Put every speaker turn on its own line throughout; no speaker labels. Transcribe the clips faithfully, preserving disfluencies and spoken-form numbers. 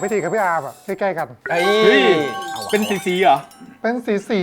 พี่ทีกับพี่อาร์มอะใกล้ๆกัน
เฮ้ยเป็นสีสีเหรอ
เป็นสีสี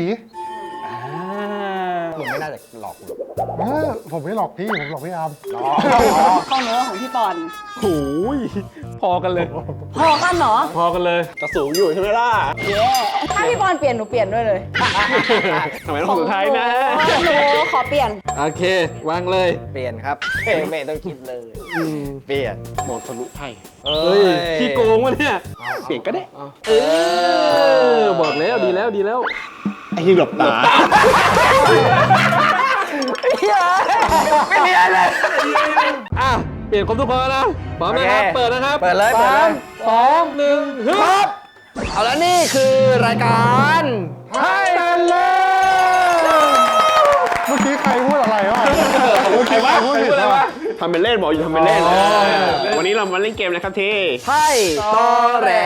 ผมไม่น่าจะหลอกหรอก
ผมไม่หลอกพี่ผมหลอกพี่อาร์ม
ของหนูของพี่ปอน
โอ้ยพอกันเลย
พอกันเหรอ
พอกันเลยจะสูงอยู่ใช่ไหมล่ะ
เย้ถ้าพี่ปอนเปลี่ยนหนูเปลี่ยนด้วยเลย
ทำไมต้องสุดท้ายนะ
หนูขอเปลี่ยน
โอเควางเลย
เปลี่ยนครับไม่ต้องคิดเลยเปลี่ยน
มองทะลุไพ่เฮ้ยขี้โกงวะเนี่ยเปลี่ยนก็ได้เออบอกแล้วดีแล้วดีแล้วไอ้ยิงหลบตา
ไม่มีอะไรเลย
อ่ะเปลี่ยนครบทุกคนนะพร้อมนะครับเปิดนะครับ
เปิดเลย
สามสองหนึ่งฮึบ
เอาแล้วนี่คือรายการ
ให้กันเลย
เมื่อกี้ใครพูดอะไรวะ
ใครวะพูดอะไรวะทำเป็นเล่นบอกอยู่ทำเป็นเล่นวันนี้เรามาเล่นเกมนะครับที่
ไพ่ตอแหล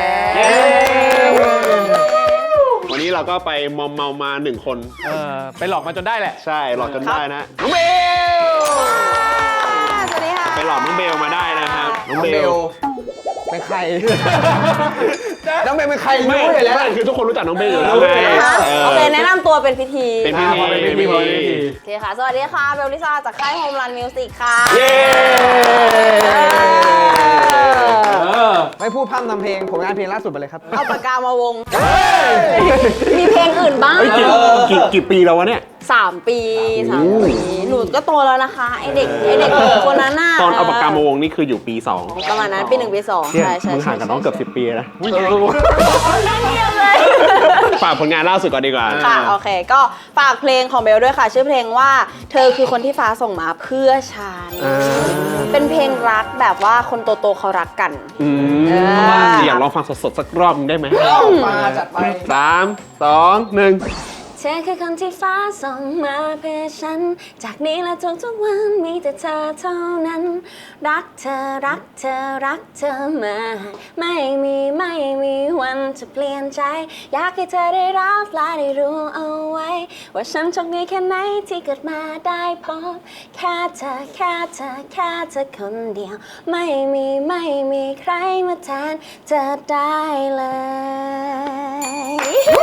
วันนี้เราก็ไปมอมเมามาหนึ่งคนเออไปหลอกมาจนได้แหละใช่หลอกจนได้นะน้องเบล
สวัสดีค่ะ
ไปหลอกน้องเบลมาได้นะครับน้องเบล
เป็นใครน้องเบลเป็นใครรู้อยู่แล้ว
คือทุกคนรู้จักน้องเบลอยู่แล้วไง
โอเคแนะนำตัวเป็นพิธี
เป็นพิธีเป็นพิธี
โอเคค่ะสวัสดีค่ะเบลลิซ่าจากค่ายโฮมรันมิวสิกค่ะ
เย้
ไม่พูดพร่ำทำเพลงผลงานเพลงล่าสุดไปเลยครับ
เอาปากกามาวงมีเพลงอื่นบ้าง
กี่กี่ปีแล้ววะเนี่ย
สามปีสามปีหนูก็โตแล้วนะคะไอเด็กไอเด็กคนนั้นน่ะ
ตอนเอาปากกามาวงนี่คืออยู่ปีสอง
ประมาณนั้นปีหนึ่งปีสองใช่ใช่
มึงห่างกับน้องเกือบสิบปีนะ
นั่นเดียวเลย
ฝากผลงานล่าสุดก่อนดีกว่า
ค่ะโอเคก็ฝากเพลงของเบลด้วยค่ะชื่อเพลงว่าเธอคือคนที่ฟ้าส่งมาเพื่อฉันเป็นเพลงรักแบบว่าคนโตๆเขารักกัน
อยากลองฟังสดๆสักรอบนึงได้ไหม
มาจัดไป
สามสองหนึ่ง
เธอคือคนที่ฟ้าส่งมาเพื่อฉันจากนี้และทุกทุกวันมีแต่เธอเท่านั้นรักเธอรักเธอรักเธอมาไม่มีไม่มีวันจะเปลี่ยนใจอยากให้เธอได้รับและได้รู้เอาไว้ว่าฉันโชคดีแค่ไหนที่เกิดมาได้พบแค่เธอแค่เธอแค่เธอคนเดียวไม่มีไม่มีใครมาแทนเธอได้เลย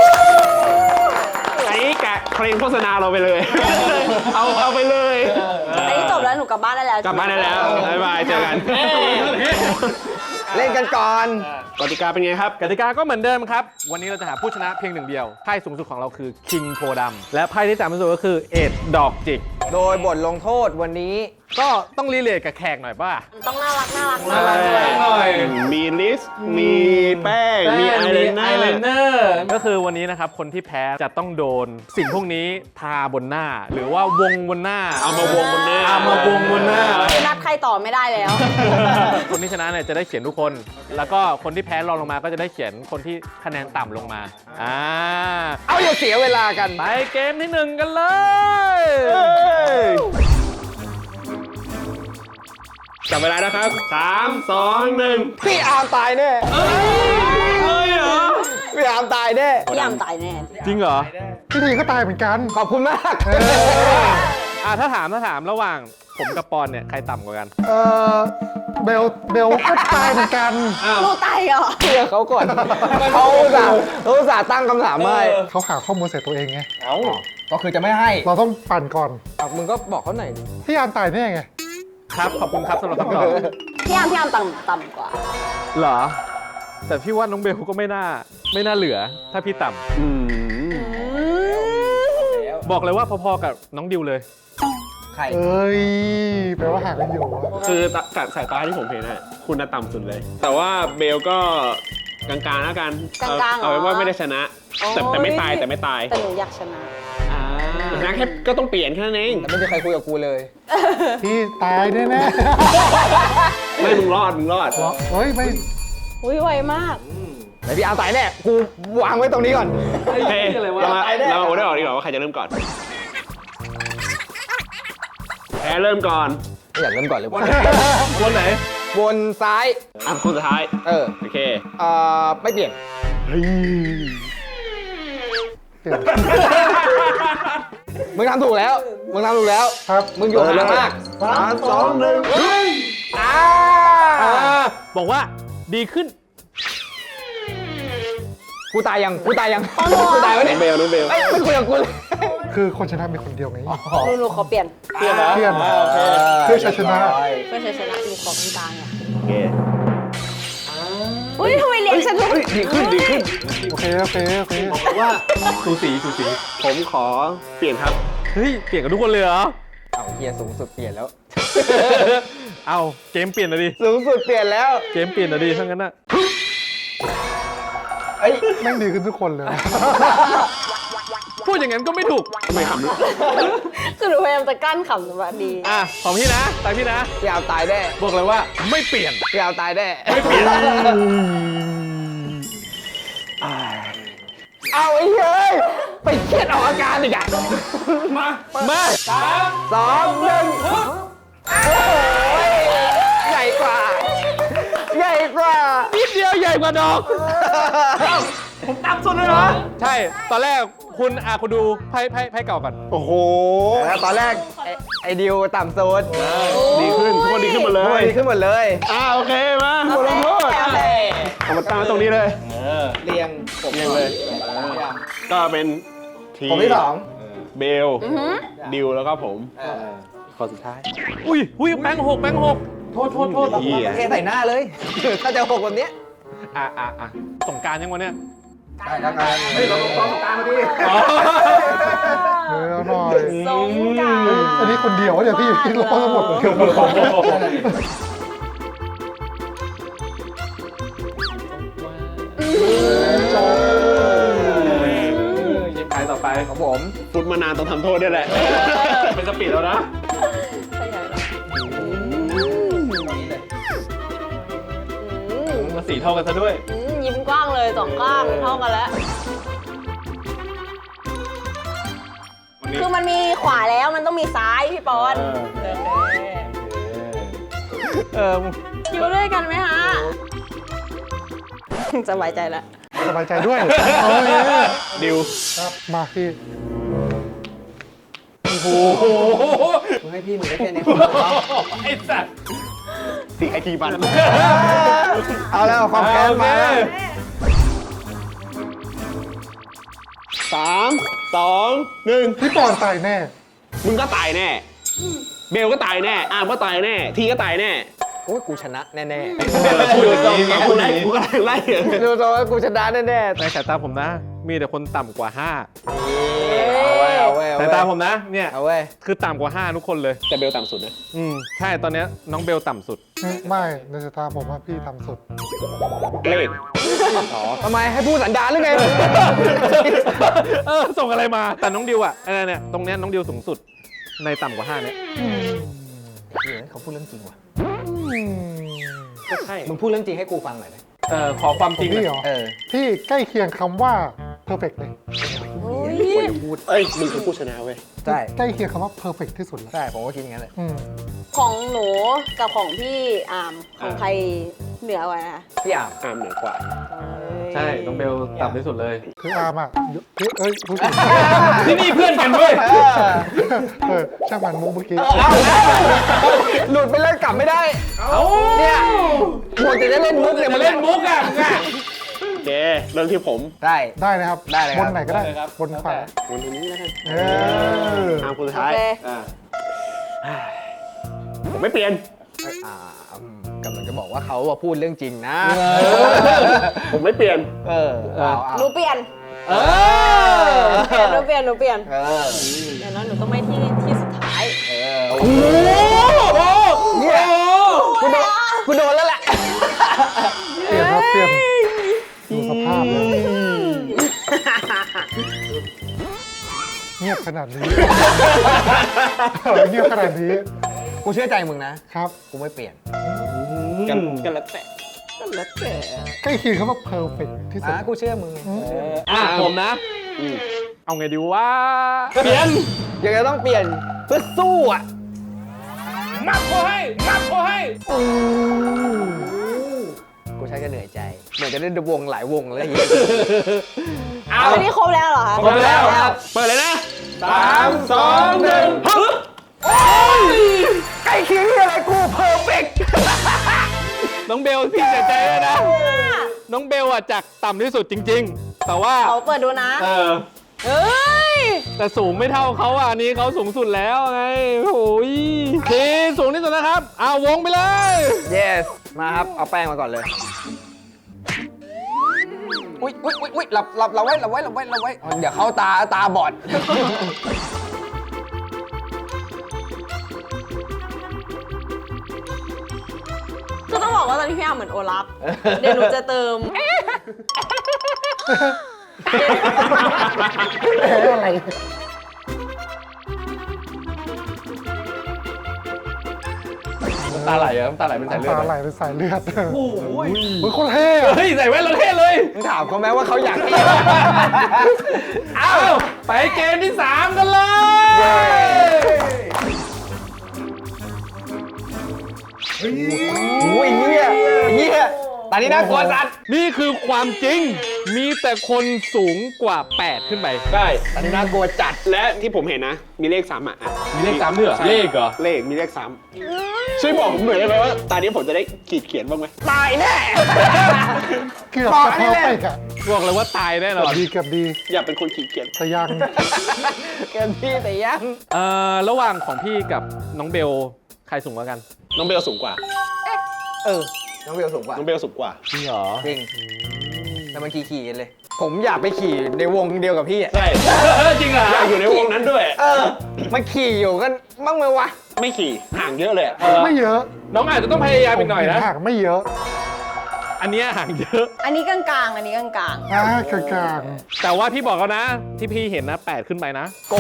ไอ้แกะเพลงโฆษณาเราไปเลยเอาเอาไปเลย
อันนี้จบแล้วหนูกลับบ้านได้แล้ว
กลับบ้านได้แล้วบ๊ายบายเจอกัน
เล่นกันก่อน
กติกาเป็นไงครับ
กติกาก็เหมือนเดิมครับวันนี้เราจะหาผู้ชนะเพียงหนึ่งเดียวไพ่สูงสุดของเราคือคิงโพดำและไพ่ที่ต่ำที่สุดก็คือเอ็ดดอกจิก
โดยบทลงโทษวันนี้
ก็ต้องรีเลทกับแขกหน่อยป่ะ
ต้องน่ารักน่ารักน่ารักห
น่อย
มีลิสมีแป้งมีไอเลนเนอร์
ก็คือวันนี้นะครับคนที่แพ้จะต้องโดนสิ่งพวกนี้ทาบนหน้าหรือว่าวงบนหน้า
เอามาวงบนหน้า
เอามาวงบนหน้า
นัดใครต่อไม่ได้แล้ว
คนที่ชนะเนี่ยจะได้เขียนทุกคนแล้วก็คนที่แพ้รองลงมาก็จะได้เขียนคนที่คะแนนต่ำลงมาอ่า
เอาอย่าเสียเวลากัน
ไปเกมที่หนึ่งกันเลย
จับเวลานะครับสามสองหนึ่ง
พี่อาร์มตายแน่
เฮ้ยเหรอ
พี่อาร์มตายแน่
พี่อาร์มตายแน่
จริงเหรอ
พี่ทีก็ตายเหมือนกัน
ขอบคุณมาก
อ่าถ้าถามถ้าถามระหว่างผมกับปอนเนี่ยใครต่ำกว่ากัน
เออเบลเบลก็ตายเหมือนกัน
ลูกตายเหรอ
เชื่อเขาก่อนเขาอุตส่าห์เขาอุตส่าห์ตั้งคำถามให้
เขาหาข้อมูลเสร็จตัวเองไง
เอ้าก็คือจะไม่ให้
เราต้องปั่นก่อน
มึงก็บอกเขาหน่อยดิ
พี่อาร์มตายแน่ไง
ครับขอบคุณครับสำหรับคำตอบ
พี่อาร์มพี่อาร์มต่ำต่ำกว่า
เหรอแต่พี่ว่าน้องเบลก็ไม่น่าไม่น่าเหลือถ้าพี่ต่ำบอกเลยว่าพอๆกับน้องดิวเลย
ใคร
เอ้ยแปลว่าห่างกันอยู่
คือจากสายตาที่ผมเห็นน่ะคุณน่ะต่ำสุดเลยแต่ว่าเบลก็กลางๆแล้วกันเอาไว้ว่าไม่ได้ชนะแต่แต่ไม่ตายแต่ไม่ตาย
แต่หนูอยากชนะ
ชนะแค่ก็ต้องเปลี่ยนแค่นั้นเอง
แต่ไม่มีใครคุยกับกูเลย
พี่ตายแน่แน่
ไม่มึงรอดมึงรอด
เฮ้ยไม่
อุ้ยไวมาก
ไหนพี่อาร์มตายแน่กูวางไว้ตรงนี้ก่อน
เฮ้ยเรามาเราโอ้ได้ออกดีกว่าว่าใครจะเริ่มก่อนแพ้เริ่มก่อน
ไม่อยากเริ่มก่อนเลย
วนไหน
วนซ้าย
อ่ะคนสุดท้าย
เออ
โอเค
เอ่อไม่เปลี่ยนมึงทำถูกแล้วมึงทำถูกแล้ว
ครับ
มึงอยู่ห่างมาก
สามสองหนึ่ง
อ่า
บอกว่าดีขึ้น
กูตายยังกูตายยังกูตายวะ
น้
เนี่
อย งเบลน้องเบล
เอ้ยไม่คุยกับกูเลย
คือคนชนะมีคนเดียวไง
หนูหนูขอเปลี่ยน
เปลี่ยนเหรอ
เปลี่ยน
อ่าโอเค
เพื่อชัยชนะ
เพื่อชัยชนะหนูขอคุณตาไง
โอเค
อุ้ยทำไมเลี้ยงฉันทุก
ดีขึ้นดีขึ้น
โอเคโอเคโอเค
บอกว่าสูสีสูสี
ผมขอเปลี่ยนครับ
เฮ้ย เปลี่ยนกับทุกคนเลยเหรอ
เอาเฮียสูงสุดเปลี่ยนแล้ว
เอาเกมเปลี่ยนเลยดิ
สูงสุดเปลี่ยนแล้ว
เกมเปลี่ยนเลยดิทั้งนั้นน่ะ
เอ้ย
แม่งดีขึ้นทุกคนเลย
พูดอย่างนั้นก็ไม่ถูก
ทำไมขำ
คือหนูพยายามจะกั้นขำแต่ว่าดี
อ่ะ ของพี่นะตามพี่นะ
พี่เอาตายแน่
บอกเลยว่าไม่เปลี่ยน
พี่เอาตายแน่
ไม่เปลี่ยน
เอาไอ้เฮ้ยไปเครียดออกอาการอีกอะ
มา มา
สองหนึ่งโอ้ยใหญ่กว่า ใหญ่กว่า
นิดเดียวใหญ่กว่าดอกผมต่ำสุดเลยเหรอ ใช่ ตอนแรกคุณอาคุณดูไพ่ไพ่ไพ่เก่าก่อน
โอ้โห
แล้วตอนแรกไอ้ไอ้ดิวต่ำโซน
ดีขึ้นทุกคนดีขึ้นหมดเล
โอ้ย
ย
ดีขึ้นหมดเลย
อ่าโอเคมาบทลงโทษเอามาตั้งไว้ตรงนี้เลย
เรียงผม
เรียงเลย ก็เป็นที
ผมที่สอง
เบลดิวแล้วก็ผมคนสุดท้าย
อุ้ยอุ้ยแบงค์หกแบงค์หกโทษโทษโทษ
เหี้ย
เทใส่หน้าเลย ถ้าจะหกแบบเนี้ย
อ่ะอ่ะอ่ะสงกรารยังวะเนี่ย
ได้แล้วกันเฮ้ยเราต้องต้องตามมาดิ
เออเอาหน่อย
สงกรานต์
อันนี้คนเดียวเดี๋ยวพี่พี่ร้องทั้งหมดเลย จบ
ยิงใครต่อไป
ของผม
ฟุตมานานต้องทำโทษด้วยแหละ
เป็นสปีดแล้วนะ
อืม
มาสีเท่ากันซะด้วย
อืมยิ้มกว้างเลยสองข้างเท่ากันแล้ว
วันนี้
คือมันมีขวาแล้วมันต้องมีซ้ายพี่ปอน
เออ
อยู่ด้วยกันไหมฮะสบายใจแล้ว
สบายใจด้วยโอเค
ดิว
ครับมาพี่
โอ้โห
มึงให้พี่มึงได้แค่นี้
ไอ้สัตว์
สิไอทีบัน
เอาแล้วความแค้นมา
สามสองหนึ่ง
พี่ปอนตายแน่
มึงก็ตายแน่ เบลก็ตายแน่ อาร์มก็ตายแน่ ทีก็ตายแน่
โอ้ยกูชนะแน่
พูดอย่างนี้กูได้กูก็ได้ไล่เหรอ
ๆดูตัวว่ากูชนะแน่ๆ
ในสายตาผมนะ มีแต่คนต่ำกว่าห้า
เอาเว้ยเอาเว้ย
สายตาผมนะ เนี่ย
เอาเว้ย
คือต่ำกว่าห้าทุกคนเลย
แต่เบลต่ำสุดนะ
อืม ใช่ ตอนเนี้ยน้องเบลต่ำสุด
ไม่ในสายตาผมว่าพี่ทำสุด
เลขอ๋อ
ทำไมให้พูดสันดานหรือไง
เออ ส่งอะไรมา แต่น้องดิวอะเออเนี่ย ตรงเนี้ยน้องดิวสูงสุด ในต่ำกว่าห้าเนี่ย
เฮ้ยเขาพูดเรื่องจริงว่ะ
ก็ใช่
มึงพูดเรื่องจริงให้กูฟังหน่อยไหม
เออ ขอความ
ข
จ
อ
ริ
ง
ง
พี่
ห
เหร
น่อย
อ
เออ
พี่ใกล้เคียงคำว่า perfect เลย
เอ้ย มึงคือผู้ชนะเว้ย
ใช่
ใกล้เคียงคำว่า perfect ที่สุดแล้ว
ใช่ ผมก็คิดอย่างนั้นเลย
อืม
ของหนูกับของพี่อามของใครเหนือกว่านะ
พี่อ่าม
อาร์มเหนือกว่า
ใช่ น้องเบลต่ำที่สุดเลย
คืออาร์มอ่ะพี่เอ้ยพูดผิด
ที่นี่เพื่อนกันด้วย
เออช่างมันมุกเมื่อกี้
หลุดไปเล่นกลับไม่ได้
เอ้า
เนี่ยหมดจะได้เล่นมุกเนี่ย
มา
มา
เล่
เล่
น
น
มุกอ่ะมึงอะ
โอเค เริ่มที่ผม
ได้
ได้นะครับ
ได้เลยครับ
บนไหนก็ได้
ได้เลยครับ
บนขวา
วันนี้แล้วกัน
เออ
อาร์มคนสุด
โอ
ท้าย
เค
อ่าผมไม่เปลี่ยน
อ่าอืมกำลังจะบอกว่าเขาว่าพูดเรื่องจริงนะ
ผมไม่เปลี่ยน
เออเอาเอา
หนูเปลี่ยน
เออ
หนูเปลี่ยนหนูเปลี่ยน
เออ
อย่างนั้นหนูต้องไม่ที่ที่สุดท้าย
เออโอ้โหเนี่ยกูโดนกูโดนแล้วแหละ
เปลี่ยนครับเปลี่ยนดูสภาพเลยเงียบขนาดนี้ เออเงียบขนาดนี้
กูเชื่อใจมึงนะครับ กูไม่เปลี่ยน
กันกันแล้วแต่
แล้วแต่
ใกล้เคียงคำว่า perfect ที่สุด
อ่ะกูเชื่อมึงไง
อ่ะผมนะ
อืม
เอาไงดีวะ เปลี่ยน
ยังไงต้องเปลี่ยนเพื่อสู้อ่ะ
มักเขาให้ มักเขาให้
กูใช้ก็เหนื่อยใจ เหมือนจะเล่นวงหลายวงเลยเหี้ย
เอา
อันนี้ครบแล้วเหรอคะ
ครบแล้ว
เปิดเลยนะ
สามสองหนึ่งฮึบ
ใกล้เคียงที่อะไรกูเพอร์เฟกต์
น้องเบลพี่เสียใจเลยนะ น้องเบลอ่ะจากต่ำที่สุดจริงแต่ว่า
เขาเปิดดูนะ
เออ
เฮ้ย
แต่สูงไม่เท่าเขาอ่ะอันนี้เขาสูงสุดแล้วไงโอ้ยทีสูงที่สุดนะครับเอาวงไปเลย
yes มาครับ เอาแป้งมาก่อนเลย อุ้ยอุ้ยอุ้ยอุ้ยหลับหลับเราไว้เราไว้เราไว้เราไว้ เดี๋ยวเขาตาตาบอด
คือต้องบอกว่าตอนนี้พี่อาร์มเหมือนโอลัฟ เดี๋ยวหนูจะเติม
แพ้อะไร
น้ำตาไหลอะน้ำตาไหลเป็นสายเลือด
ตาไหลเป็นสายเลือดโอ้โหเฮ้ยโคนเท่อะ
เฮ้ยใส่แว่นแล้วเท่เลย
มึงถามเขาไหมว่าเขาอยากที่
เอาไปเกมที่สามกันเลย
อุ้ยเหี้ยเหี้ยตอนนี้น่ากลัวสัตว์
นี่คือความจริงมีแต่คนสูงกว่าแปดขึ้นไป
ได้
ตอนนี้น่ากลัวจัด
และที่ผมเห็นนะ มีเลขสามอ่ะ
มีเลขสามด้วยเหรอ
ใช่
เลขเหรอ
เลขมีเลขสามช่วยบอกผมหน่อยได้ไหมว่าตอนนี้ผมจะได้ขีดเขียนบ้างไหม
ตายแน่
เกือบ
บอก
จะ
ให้
เข้า
เล่น
ไปกะ
บอกเลยว่าตายแน่น
เกื
อ
อบ
น
ดีเกือบดี
อยากเป็นคนขีดเขียน
แต่ยัง
เกินพี่แต่ยัง
เอ่อระหว่างของพี่กับน้องเบลใครสูงกว่ากัน
น้องเบลสูงกว่า
เออ น้องเบลสูงกว่า
น้องเบลสูงกว่า
จริงเหรอ
จริงแต่มันขี่ขี่กันเลย ผมอยากไปขี่ในวงเดียวกับพี่อะ
ใช่
จริงเหรอ
อยากอยู่ในวงนั้นด้วย
เออ มันขี่อยู่กันบ้างไหมวะ
ไม่ขี่ห่างเยอะเลยอะ
ไม่เยอะ
น้องอาจจะต้องพยายามอีกหน่อยนะ
ห่างไม่เยอะ
อันเนี้ยห่างเยอะ
อันนี้กลางๆ อันนี้กลาง
อ่ากลาง
แต่ว่าพี่บอกแล้วนะ ที่พี่เห็นนะแปดขึ้นไปนะ
โก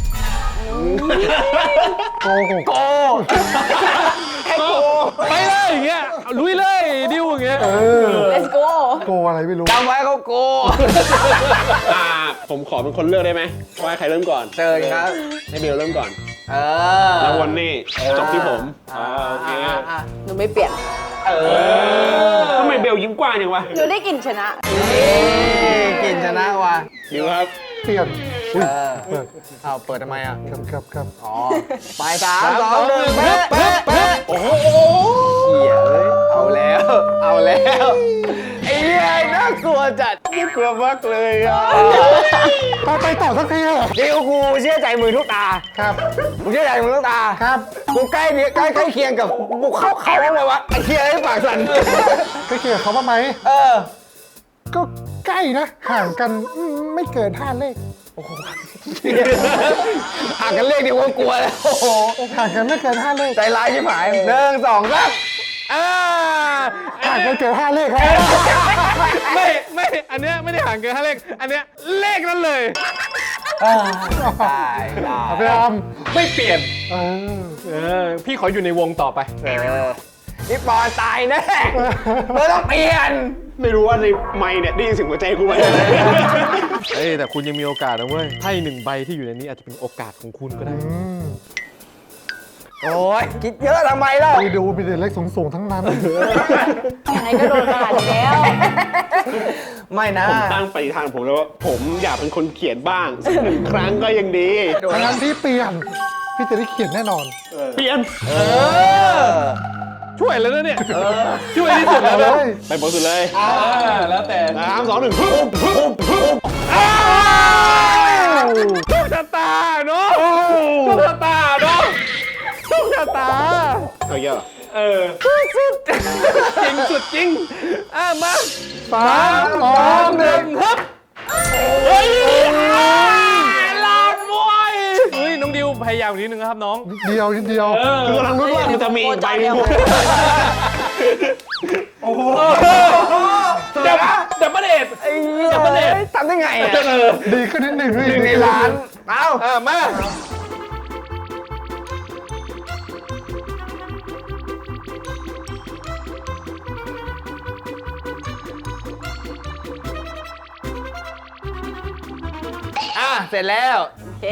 ๆโกหก
โกให้โก
ไปเลยอย่างเงี้ยเอาลุยเลยดิวอย่างเงี้ย
เออ
ๆ let's go
โกอะไรไม่รู้
จำไว้เขาโก
อ่าผมขอเป็นคนเลือกได้ไหมว่าใครเริ่มก่อน
เชิญครับ
ให้เบลเริ่มก่อน
เออ
แล้ววันนี้จบที่ผมอ่าโอเค
อ่าอ่า
หนูไม่เปลี่ยน
เออ
ทำไมเบลยิ้มกว้างจังวะ
หนูได้กลิ่นชนะ
นี่กินชนะว่ะ
ดิวครับ
เปลี่ยนอุ้ย
เออ
เปิด
เอาเปิดทำไมอ่ะ
ครับครับครับ
อ๋อ ไปสามสองหนึ่งเป๊ะเป๊ะเป๊ะโอ้โหเหี้ยเอ้ยเอาแล้ว เอาแล้วไอ้เหี้ยน่ากลัวจัดน่ากลัวมากเลยอ่ะ
ไปไปต่อสักทีเหรอ
เดี๋ยวกูเชื่อใจมือทุกตา
ครับ
กูเชื่อใจมือทุกตา
ครับ
กูใกล้เนี่ยใกล้ใกล้เคียงกับบุกเข้าเขาบ้างเลยวะไอ้เคียไอ้ปากสั่น
ไปเกี่ยวเขาบ้างไหม
เออ
ก็ใกล้นะ ห่างกันอืมไม่เกินห้าเลข
อ่านกันเลขเดียวก็กลัวแล้ว โอ้โห
ห่างกันไม่เกินห้าเลข
ใจร้ายชิบหายหนึ่งสองสาม
อ่า
ห่างกันเกินห้าเลขครับ
ไม่ไม่อันเนี้ยไม่ได้ห่างเกินห้าเลขอันเนี้ยเลขนั้นเลย
ได้ได้
เอาไปอาม
ไม่เปลี่ยน
เออ
เออพี่ขออยู่ในวงต่อไป
เออนี่ปอนตายแน่ไม่ต้องเปลี่ยน
ไม่รู้ว่าในไมค์เนี่ยได้ยินเสียงหัวใจกูไหม
เอ้ยแต่คุณยังมีโอกาสนะเว้ยไพ่หนึ่งใบที่อยู่ในนี้อาจจะเป็นโอกาสของคุณก็ได้
อืม
โอ้ยคิดเยอะทำไมล่ะ
ไปดูมีแต่เลขสูงๆทั้งนั้น
ยังไงก็โดนขนาดนี้แล้ว
ไม่นะ
ผมตั้งปฏิฐานผมแล้วว่าผมอยากเป็นคนเขียนบ้างสักหนึ่งครั้งก็ยังดี
ทั้งนั้นพี่เปลี่ยน พี่จะได้เขียนแน่นอน
เปลี่ยน
เออ
ช่วยแล้วนะเนี่ยช่วยที่สุด
เอา
แล้ว
เล
นะ
ย
ไปบทสุดเลย
อ่าแล้วแต่
สามสองหนึ่งปุ๊บปุ๊บปุ๊บ
อ้าวโชคชะตาเนาะโชคชะตาเนาะโชคชะตา
เอาเยอะ
เออสุดจริงสุดจริงอ่ะมา
สามสองหนึ่ง
ฮึบเฮ้ยลาดมวยเฮ้ยน้องดิวพยายามนิดนึงนะครับน้อง
เดียวนิดเดียว
คือกำลังรู้นว่ามันจะมีอีกใบหนึง
เดี๋ยวเดี๋ยวประเด็ด
ไอ้เหี้ย
ดับเบิลเอท
ทำได้ไงอ่ะ
เออ
ดีขึ้นนิดหนึ่ง
หนึ่งในล้าน เอ้า
อ่ะมา
อ่ะ เสร็จแล้ว
โอเค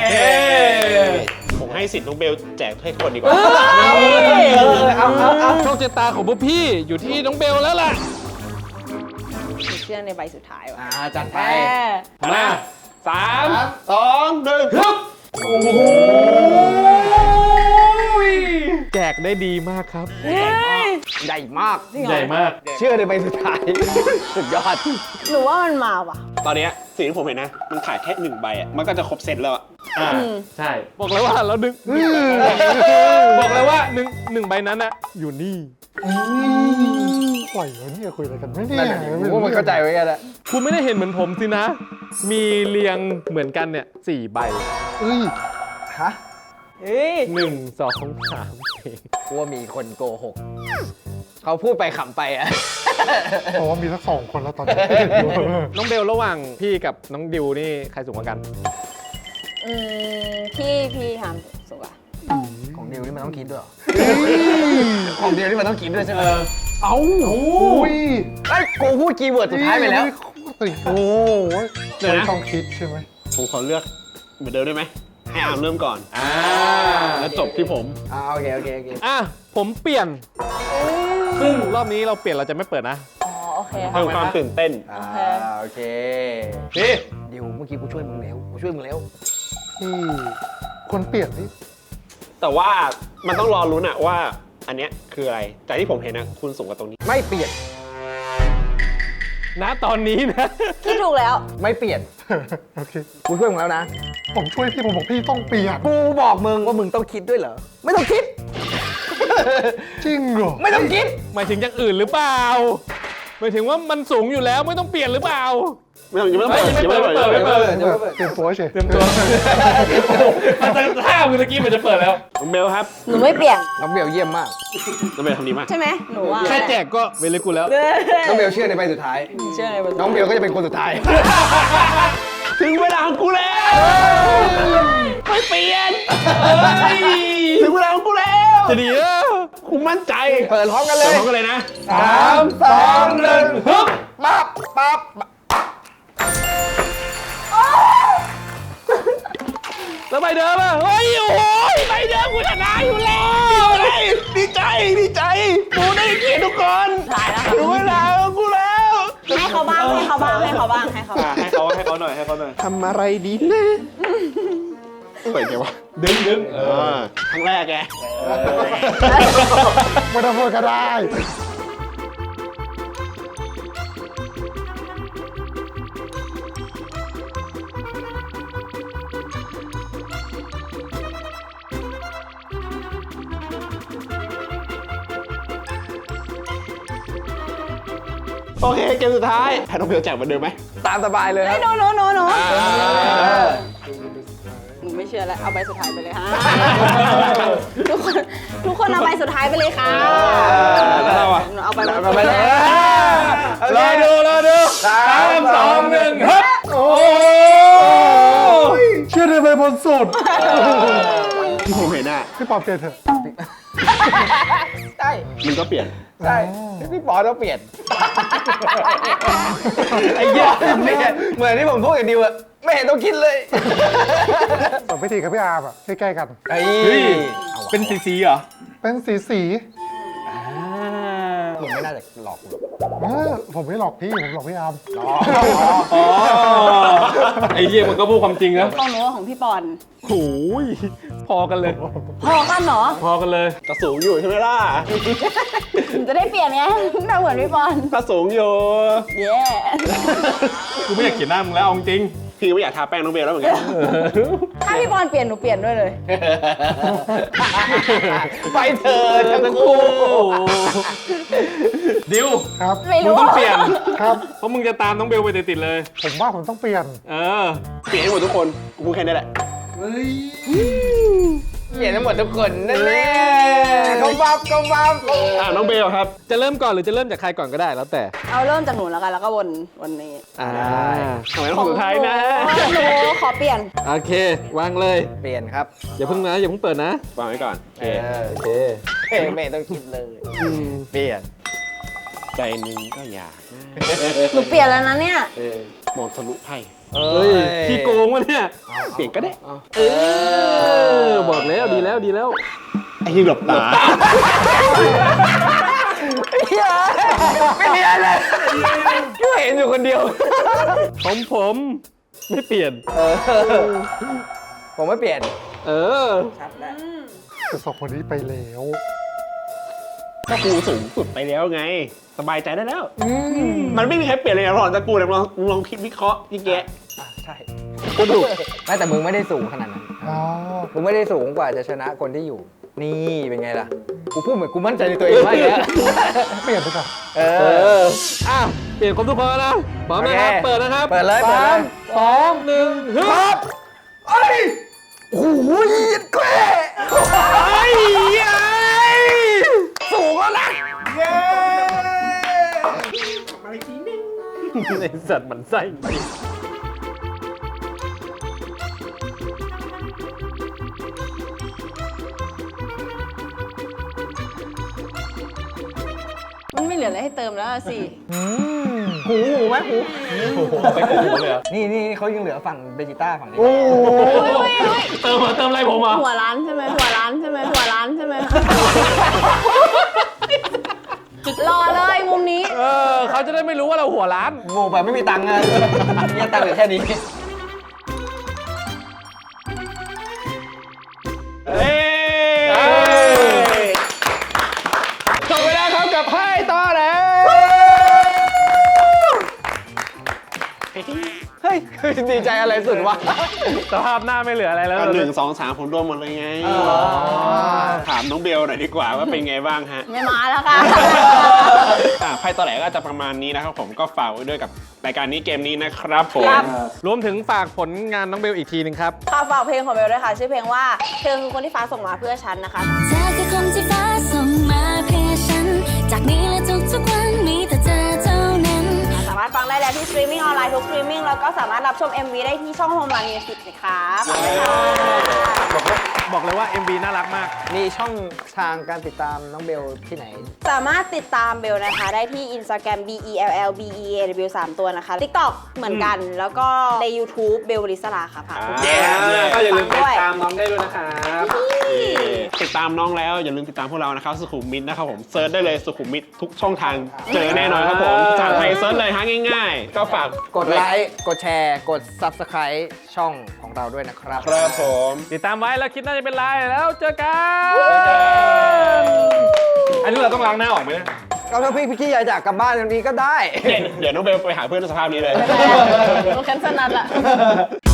ผมให้สิทธิ์น้องเบลแจกให้คนดีกว่า
เอาเอาเอาเอา
โชคชะตาของพวกพี่อยู่ที่น้องเบลแล้วล่ะ
เชื่อในใบสุดท้ายว่ะ
อ่า จัดไป
แม่
มาสาม
สองหนึ่ง
ฮึบโอ้โหแจกได้ดีมากครับ
เฮ้ย
ใหญ่มาก
จริงเหรอ
ใหญ่มาก
เชื่อในใบสุดท้าย สุดยอด
หนูว่ามันมาว่ะ
ตอนเนี้ยสิ่งที่ผมเห็นนะ มันขายแค่หนึ่งใบอ่ะ มันก็จะครบเซตแล้วอ่ะ
อ่าใช่ บอกเลยว่าเราดึงบอกเลยว่าหนึ่งหนึ่งใบนั้นอะอยู่นี่
ปล่อยวะเนี่ยคุยอะไรกันไม่เนี่
นั่
ย
นแหละผมว่ามันเข้าใจไว้กันแหละ
คุณไม่ได้เห็นเหมือนผมสินะ มีเรียงเหมือนกันเนี่ยสี่ใบ
เอ้ย
ฮะเฮ้ย
หนึ่งสองสามสี่
กูว่ามีคนโกหกเขาพูดไปขำไปอะ
เพราะว่ามีสักสองคนแล้วตอนนี้
น้องเบลระหว่างพี่กับน้องดิวนี่ใครสูงกว่ากัน
อืมพี่พี่ทำสุกอะ
ของเดียวนี่มันต้องคิดด้วยเหรอของเดียวนี่มันต้องคิดด้วยใช่ไหม
เอ้าอุ้ย
ไอ้ยกูพูดคีย์เวิร์ดสุดท้ายไปแล้ว
โอ้โห
เดี๋ยวนะ
ต้องคิดใช่ไหม
ผมขอเลือกเหมือนเดิมได้ไหม ให้อาร์มเริ่มก่อน
อ่า
แล้วจบที่ผม
อ่าโอเคโอเคโอเค
อ่ะผมเปลี่ยน ซึ่งรอบนี้เราเปลี่ยนเราจะไม่เปิดนะ
อ๋อโอเค
เพิ่มความตื่นเต้น
อ่าโอเค
นี่
เดี๋ยวเมื่อกี้กูช่วยมึงแล้วกูช่วยมึงแล้ว
ที่คนเปลี่ยนนี่
แต่ว่ามันต้องรอลุ้นอะว่าอันเนี้ยคืออะไร แต่ที่ผมเห็นนะคุณสูงกว่าตรงนี้
ไม่เปลี่ยน
ณตอนนี้นะ
พี่ถูกแล้ว
ไม่เปลี่ยน
โอเค
กูช่วยมึงแล้วนะ
ผมช่วยพี่ผมบอกพี่ต้องเปลี่ยน
กูบอกมึงว่ามึงต้องคิดด้วยเหรอไม่ต้องคิด
จริงเหรอ
ไม่ต้องคิด
หมายถึงอย่างอื่นหรือเปล่าหมายถึงว่ามันสูงอยู่แล้วไม่ต้องเปลี่ยนหรือเปล่า
ไม่ต้องยังไม่ต้องเปิดยังไม่ต้องเปิดยังไม่ต้องเปิด
เดี๋ยวเปิด
เตรียมตัวเฉย
เตรียมตัวมันจะท่าเมื่อกี้มันจะเปิดแล้ว
น้องเบลครับ
หนูไม่เปลี่ยน
น้องเบลเยี่ยมมาก
น้องเบลทำดีมาก
ใช่ไหมหนูว่า
แค่แจกก็เวลิกูแล้ว
น้องเบลเชื่อในใบสุดท้าย
เชื่ออะไรบ้าง
น้องเบลก็จะเป็นคนสุดท้าย
ถึงเวลาของกูแล้วไม่เปลี่ยนถึงเวลาของกูแล้ว
จะดีแล้ว
กูมั่นใจ
เปิดพร้อมกันเล
เปิด
ย
พร้อมกันเลยนะ
สามสองหนึ่งฮึบปั๊บปั๊บ
แล้วใบเดิมอ่ะเฮ้ยโอ้ยใบเดิมกูชนะอยู่แล้ว
ดีใจดีใจกูได้เกียรติทุกคน
ถ่ายแล้ว
ถึงเวลาของกูแล้ว
ให้เขาบ้างให้เขาบ้างให้เขาบ้างให้เขาบ้าง
ให้เขาให้เขาหน่อยให้เขาหน่อย
ทำอะไรดีนะ
เปิดไงวะ
ดึงดึง
เออครั้งแรกแก
ไม่ต้องพูดก็ได้
โอเคเกมสุดท้ายให้น้องเบลแจกเหมือนเดิมไหม
ตามสบายเลยค
เฮ้
รั
ย
บ
หนูหนูหนูหนู
เออ
หนูไม่เชื่อแล้วเอาใบสุดท้ายไปเลยค่ะทุกคนทุกคนเอาใบสุดท้ายไปเลยค่ะ
แล้วเราอะ
หนูเอาใบ
เอาไปเลย
รอดูรอดู
สาม
สองหนึ่งฮึบโอ้
เชื่อในใบบนสุด
ที่ผมเห็นอ่ะ
พี่ปอบเปลี่ยนเถอะ
ใช่
มันก็เปลี่ยน
ใช่พี่ปอต้องเปลี่ยน
ไอ้เหี้ย
ไม่เห็นเหมือนที่ผมพูดกับดิวอะไม่เห็นต้องคิดเลย
สองพิธีกับพี่อาร์มอ่ะใกล้ๆกัน
เฮ้ย
เฮ้ยเป็นสีสีเหรอ
เป็นสีสี
มึงไม่น่าจะหลอกกู
เออผมไม่หลอกพี่ผมหลอกพี่อาร์ม
อ๋อไอ้เหี้ยมันก็พูดความจริงนะ
ของหนูของพี่ปอน
โอ้ยพอกันเลย
พอกันเหรอ
พอกันเลย
ก็สูงอยู่ใช่ไหมล่ะ
หนูจะได้เปลี่ยนไงหน้าเหมือนพี่ปอน
ก็สูงอยู่
เย้
กูไม่อยากเขียนหน้ามึงแล้วเอาจริง
พี่ไม่อยากทาแป้งน้องเบลแล้วเหมือนกัน
ถ้าพี่ปอนเปลี่ยนหนูเปลี่ยนด้วยเลย
ไปเถิดทั้งคู่
ดิว
ครับ
ไม่
มึง
รู้
ต้องเปลี่ยน
ครับ
เพราะมึงจะตามน้องเบลไปติดๆเลย
ผมว่าผมต้องเปลี่ยน
เออ
เปลี่ยนให้หมดทุกคน กูพูดแค่นี้แหละ
เปลี่ยนทั้งหมดทุกคนนั่นแหละเขาบับเขาบับ
อ่าน้องเบลครับ
จะเริ่มก่อนหรือจะเริ่มจากใครก่อนก็ได้แล้วแต่
เอาเริ่มจากหนูแล้วกันแล้วก็วนวันนี้
อ่า
ทำไมต้องคนสุดท้ายนะ
หนูขอเปลี่ยน
โอเค วางเลย
เปลี่ยนครับ
อย่าเพิ่งนะอย่าเพิ่งเปิดนะ
วางไว้ก่อน โอเค
โอเค
เฮ้ยไม่ต้องคิดเลยเปลี่ยน
ใจหนึงก็อยากนะ
หนูเปลี่ยนแล้วนะเนี่ย
มองทะลุไพ่
เฮ้ยขี้โกงวะเนี่ย
เปลี่ยนก็ได้
เออ บอกแล้วดีแล้วดีแล้ว
ไอ้ที่หลบตา
ไม่มีอะไรเลยก็เห็นอยู่คนเดียว
ผมผมไม่เปลี่ยน
เออ ผมไม่เปลี่ยน
เออ
แต่สองคนนี้ไปแล้ว
ก็กูสูงสุดไปแล้วไง สบายใจได้แล้ว มันไม่มีใครเปลี่ยนเลยนะหรอกแต่กูเนี่ยลองลองคิดวิเคราะห์ยิ่งแกะ
ใช่กูถูกไม่แต่มึงไม่ได้สูงขนาดนั้น
อ๋อ
มึงไม่ได้สูงกว่าจะชนะคนที่อยู่ นี่เป็นไงล่ะ กูพูดเหมือนกูมั่นใจในตัวเองมากเลย
เปลี่ยนไปก่อน
เอ
เอ
อ
ออ้าวเปลี่ยนครบทุกคนแล้วนะพร้อมนะครับ
โอเค
เปิดนะครับ
เปิดเลยเปิดเลย
สามสองหนึ่งฮึบ
เอ้ยโอ้โหยิดแกล้ไอ้สูงแล้วนะเย้
ไอสัตว์มันไส้จริง
มันไม่เหลืออะไรให้เติมแล้วอะสิ
หูหูไหมหู
ไปโกงเลยเหรอ
นี่นี่เขายังเหลือฝั่งเบจิต้าฝั่งนี้
เติมเหรอเติมอะไรผมอ่ะ
หัวร้านใช่ไหมหัวร้านใช่ไหมหัวร้านใช่ไหมรอเลยมุมนี้
เออเขาจะได้ไม่รู้ว่าเราหัวร้าน
โง่ไปไม่มีตังค์อะเนี่ยตังค์เหลือแค่นี้
เฮ้ย
จบไปแล้วครับกับไพ่ต่อแล้ว
เฮ้ยดีใจอะไรสุดวะ
สภาพหน้าไม่เหลืออะไรแล้ว
ก็หนึ่งสองสามผมรวมหมดเลยไง ถามน้องเบลหน่อยดีกว่าว่าเป็นไงบ้างฮะ
ไม่มาแล้วค่ะ
อ่าไพ่ต่อแหลก็จะประมาณนี้นะครับผมก็ฝากไว้ด้วยกับรายการนี้เกมนี้นะครับผม
ครับ
รวมถึงฝากผลงานน้องเบลอีกทีหนึงครับ
ค่ะฝากเพลงของเบลด้วยค่ะ ชื่อเพลงว่าเธอคือคนที่ฟ้าส่งมาเพื่อฉันนะคะ
เธอคือคนที่ฟ้าส่งมาเพื่อฉัน จากนี้และทุกๆวันมีแต่เธอเท่านั้น
สามารถฟังได้แล้วที่สตรีมมิ่งออนไลน์ทุกสตรีมมิ่งแล้วก็สามารถรับชม เอ็ม วี ได้ที่ช่อง Home Run Music นะครับขอบคุณค่ะ
บอกเลยว่า เอ็ม วี น่ารักมาก
มีช่องทางการติดตามน้องเบลที่ไหน
สามารถติดตามเบลนะคะ ได้ที่ Instagram b e l l b e a w สามตัวนะคะ TikTok เหมือนกัน แล้วก็ใน YouTube เบลลิสลาค่ะฝากทุกคน
ก็อย่าลืม
ด้วย
ตามน้องได้ด้วยนะครับ
ติดตามน้องแล้วอย่าลืมติดตามพวกเรานะครับสุขุมมิตนะครับผมเซิร์ชได้เลยสุขุมมิตทุกช่องทางเจอแน่นอนครับผมจากไทยเซิร์ชเลยฮะง่ายๆ ก็ฝาก
กดไลค์ กดแชร์ กด Subscribe ช่องของเราด้วยนะครับ
ครับผม
ติดตามไว้แล้วคิดน่าจะเป็นไรแล้วเจอกัน อันนี้เราต้องล้างหน้าออกไหมเนี่ย
ก็ถ้าพี่พี่อยากจากกลับบ้านวันนี้ก็ได้
เดี๋ยวเดี๋ยวน้องเบลไปหาเพื่อนในสภาพนี้เลย
โอเคสนัดละ